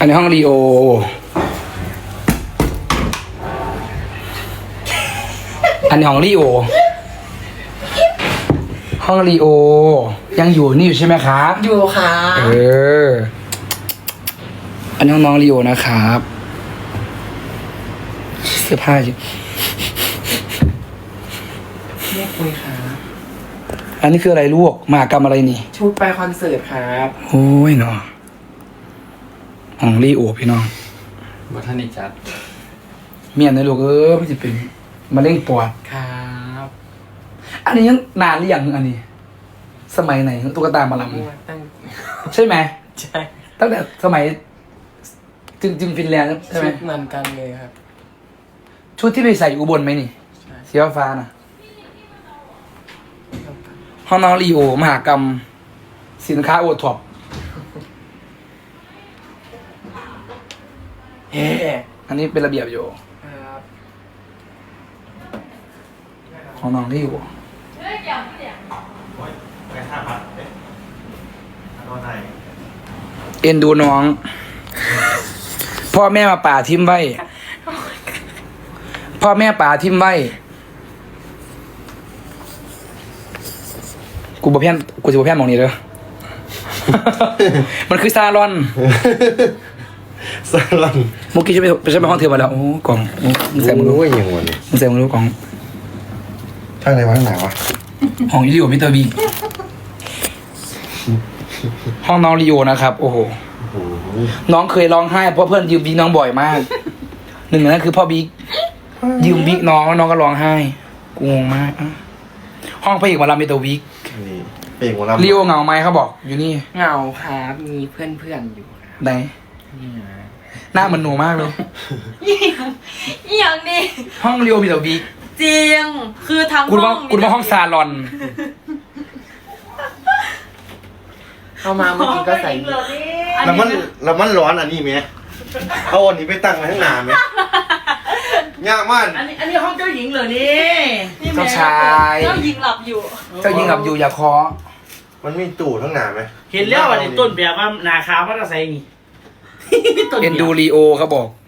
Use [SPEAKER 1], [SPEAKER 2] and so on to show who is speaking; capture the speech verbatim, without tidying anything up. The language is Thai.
[SPEAKER 1] อันนี้ห้องรีโออันนี้ห้องรีโอห้องรีโอยังอยู่นี่อยู่ใช่ไหมครับ
[SPEAKER 2] อยู่ค่ะ
[SPEAKER 1] เอออันนี้ห้องน้องรีโอนะครับเสื้อผ้าอยู่
[SPEAKER 2] เรียกคุยค่ะ
[SPEAKER 1] อันนี้คืออะไรลูกมหากรรมอะไรนี่
[SPEAKER 2] ชุดไปคอนเสิร์ตครับ
[SPEAKER 1] โอ้ยเนาะห้องรีโอพี่น้อง
[SPEAKER 3] บัทนิจัด
[SPEAKER 1] เมียนในลูกเออไม่จะเป็นมะเร็งปอด
[SPEAKER 2] ครับ
[SPEAKER 1] อันนี้ยังนานหรือยังอันนี้ สมัยไหนตุ๊กตามาล
[SPEAKER 2] ตั้ง
[SPEAKER 1] ำใช่ไหม
[SPEAKER 2] ใช่
[SPEAKER 1] ตั้งแต่สมัยจึงจึงฟินแลนด์ใช่ไหม
[SPEAKER 2] ชุดเหมือนกันเลยครับ
[SPEAKER 1] ชุดที่ไปใส่อุบลไหมนี่
[SPEAKER 2] ใช่
[SPEAKER 1] สีฟ้าน่ะห้องน้องรีโอมหากรรม สินค้าโอท็อป
[SPEAKER 2] เฮ้
[SPEAKER 1] อันนี้เป็นระเบียบอยู่
[SPEAKER 2] ครับ
[SPEAKER 1] ของน้องรีโอ
[SPEAKER 4] ไปห้าพันเอ๊ะโดนไหน
[SPEAKER 1] เอ็นดูน้อง พ่อแม่มาป่าทิมไว้ พ่อแม่ป่าทิมไว้ กูบ่เพี้ยนกูจะบ่เพี้ยนหมองนี้เด้อ มันคือซาลอน
[SPEAKER 4] สลัน
[SPEAKER 1] เมื่อกี้ฉันไปฉันไปห้องเธอมาแล้ว โอ้กล่องโอ้มึงใส่มึงรู้
[SPEAKER 4] ว่าอย่างวันนี้
[SPEAKER 1] มึงใส่มึงรู้กล่อง
[SPEAKER 4] ข้างในวะข้างไหนวะ
[SPEAKER 1] ห้องรีโอมิเตอร์บีห้องน้องรีโอนะครับ โอ้โห
[SPEAKER 4] โอ้โห
[SPEAKER 1] น้องเคยร้องไห้เพราะเพื่อนยืมบิ๊กน้องบ่อยมาก หนึ่งในนั้นคือพ่อบิ๊กยืมบิ๊กน้องแล้วน้องก็ร้องไห้กูงงมากอ่ะห้องพระเอกหมาลำมิเตอร์วิก
[SPEAKER 4] นี่เป่งของเรา
[SPEAKER 1] รีโอเหงาไหมเขาบอก อยู่นี่
[SPEAKER 2] เหงาครับมีเพื่อนเพื่อนๆอยู่ครับ
[SPEAKER 1] ไหน
[SPEAKER 2] นี่นะ
[SPEAKER 1] หน้าเหมือนหนูมากเลย
[SPEAKER 5] อีหยังนี่
[SPEAKER 1] ห้องรีโอมิเตอร์วิก
[SPEAKER 5] จริง คือทั้ง
[SPEAKER 1] คุณว่าคุณว่าห้องซาลอน
[SPEAKER 2] เข้ามาเมื่อกี้ก็ใส่
[SPEAKER 4] แล้วมันแล้วมันร้อนอันนี้ไหมเอาอันนี้ไปตั้งไว้ข้างหน้าไหมยากมาก
[SPEAKER 6] อันนี้อันนี้ห้องเจ้าหญิงเหรอนี่
[SPEAKER 1] เจ้าชาย
[SPEAKER 5] เจ้าหญิงหลับอยู่
[SPEAKER 1] เจ้ายิงกับอยู่อย่าเคาะ
[SPEAKER 4] มันมีตู้ข้างหน้าไหม
[SPEAKER 6] เห็นแล้วว่าในต้นแบบว่านาคาวพัดใส่นี่ ต้น
[SPEAKER 1] เอ็นดู
[SPEAKER 6] แบบ
[SPEAKER 1] รีโอเขาบอก